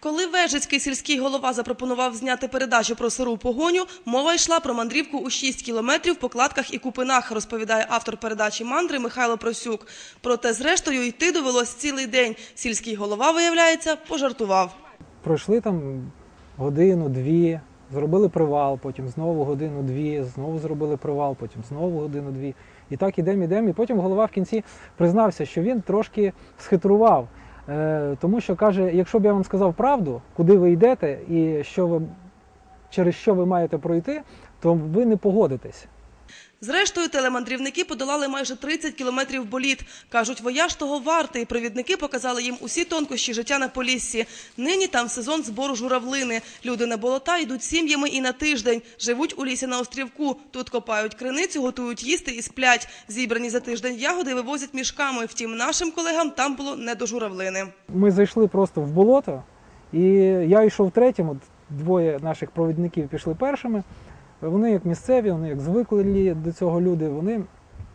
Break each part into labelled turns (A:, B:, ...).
A: Коли Вежицький сільський голова запропонував зняти передачу про сиру погоню, мова йшла про мандрівку у 6 кілометрів по кладках і купинах, розповідає автор передачі «Мандри» Михайло Просюк. Проте, зрештою, йти довелось цілий день. Сільський голова, виявляється, пожартував.
B: Пройшли там годину-дві, зробили привал, потім знову годину-дві, знову зробили привал, потім знову годину-дві. І так ідемо. І потім голова в кінці признався, що він трошки схитрував. Тому що, каже, якщо б я вам сказав правду, куди ви йдете і через що ви маєте пройти, то ви не погодитесь.
A: Зрештою, телемандрівники подолали майже 30 кілометрів боліт. Кажуть, вояж того вартий. Провідники показали їм усі тонкощі життя на Поліссі. Нині там сезон збору журавлини. Люди на болота йдуть сім'ями і на тиждень. Живуть у лісі на острівку. Тут копають криницю, готують їсти і сплять. Зібрані за тиждень ягоди вивозять мішками. Втім, нашим колегам там було не до журавлини.
B: Ми зайшли просто в болото, і я йшов третім, двоє наших провідників пішли першими. Вони як місцеві, вони як звикли до цього люди, вони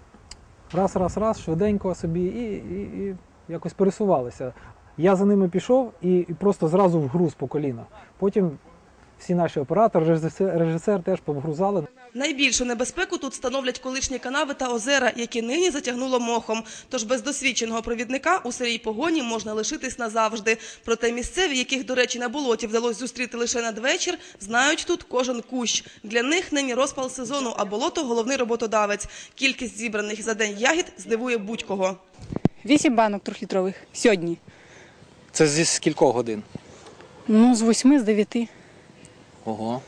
B: раз, швиденько собі і якось пересувалися. Я за ними пішов і просто зразу вгруз по коліна. Потім всі наші оператори, режисер теж повгрузали.
A: Найбільшу небезпеку тут становлять колишні канави та озера, які нині затягнуло мохом. Тож без досвідченого провідника у сирій погоні можна лишитись назавжди. Проте місцеві, яких, до речі, на болоті вдалося зустріти лише надвечір, знають тут кожен кущ. Для них нині розпал сезону, а болото – головний роботодавець. Кількість зібраних за день ягід здивує будь-кого.
C: 8 банок трьохлітрових сьогодні.
D: Це зі скількох годин?
C: Ну, з 8, з 9.
D: Ого.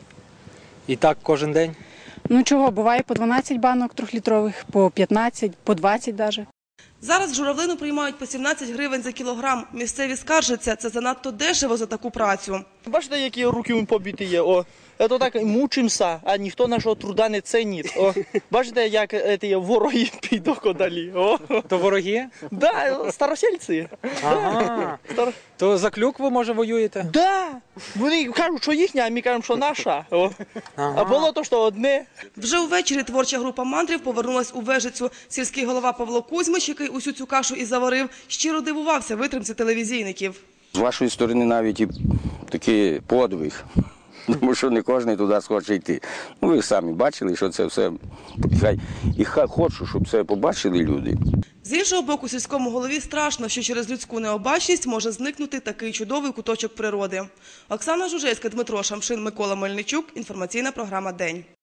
D: І так кожен день?
C: Ну чого, буває по 12 банок трьохлітрових, по 15, по 20 навіть.
A: Зараз журавлину приймають по 17 гривень за кілограм. Місцеві скаржаться, це занадто дешево за таку працю.
E: Бачите, які руки побиті є? Це так мучимося, а ніхто нашого труда не цінить. Бачите, як ті вороги підуть далі.
D: То вороги?
E: Так, старосельці.
D: Ага. То за клюкву, може, воюєте?
E: Так. Вони кажуть, що їхня, а ми кажемо, що наша. А було то, що одне.
A: Вже увечері творча група мандрів повернулась у Вежицю. Сільський голова Павло Кузьмич, який усю цю кашу і заварив, щиро дивувався витримці телевізійників.
F: З вашої сторони навіть і такий подвиг, тому що не кожен туди схоче йти. Ну, ви самі бачили, що це все, і хочу, щоб це побачили люди.
A: З іншого боку, сільському голові страшно, що через людську необачність може зникнути такий чудовий куточок природи. Оксана Жужельська, Дмитро Шамшин, Микола Мельничук. Інформаційна програма «День».